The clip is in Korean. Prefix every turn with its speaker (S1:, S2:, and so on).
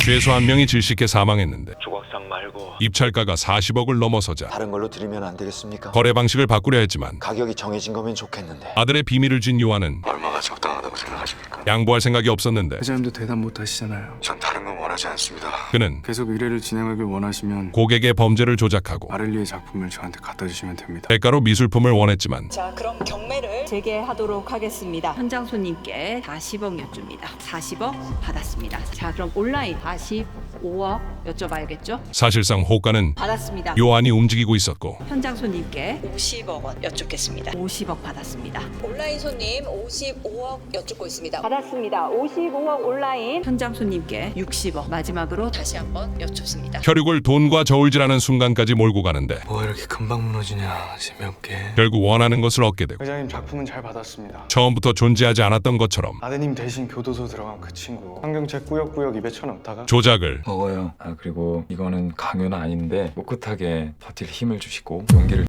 S1: 죄수 한 명이 질식해 사망했는데
S2: 조각상 말고
S1: 입찰가가 40억을 넘어서자
S3: 다른 걸로 드리면 안 되겠습니까?
S1: 거래 방식을 바꾸려 했지만
S3: 가격이 정해진 거면 좋겠는데.
S1: 아들의 비밀을 쥔 요한은
S2: 얼마가 적당하다고 생각하십니까?
S1: 양보할 생각이 없었는데
S4: 회장님도 대답 못 하시잖아요.
S2: 전 다른 건 원하지 않습니다.
S1: 그는
S4: 계속 의뢰를 진행하길 원하시면
S1: 고객의 범죄를 조작하고
S4: 마를리의 작품을 저한테 갖다 주시면 됩니다.
S1: 대가로 미술품을 원했지만
S5: 자, 그럼 경매를 재개하도록 하겠습니다. 현장 손님께 40억 여쭙니다. 40억 받았습니다. 자, 그럼 온라인 45억 여쭤봐야겠죠?
S1: 사실상 호가는
S5: 받았습니다.
S1: 요한이 움직이고 있었고
S5: 현장 손님께 50억 원 여쭙겠습니다. 50억 받았습니다. 온라인 손님 55억 여쭙고 있습니다. 받았습니다. 55억 온라인. 현장 손님께 60억. 마지막으로 다시 한번 여쭙습니다.
S1: 혈육을 돈과 저울질하는 순간까지 몰고 가는데
S4: 뭐가 이렇게 금방 무너지냐. 재미없게.
S1: 결국 원하는 것을 얻게 되고
S4: 회장님 작품은 잘 받았습니다.
S1: 처음부터 존재하지 않았던 것처럼
S4: 아드님 대신 교도소 들어간 그 친구 환경책 꾸역꾸역 입에 쳐넣다가
S1: 조작을
S6: 먹어요. 그리고 이거는 강요는 아닌데 꿋꿋하게 버틸 힘을 주시고 용기를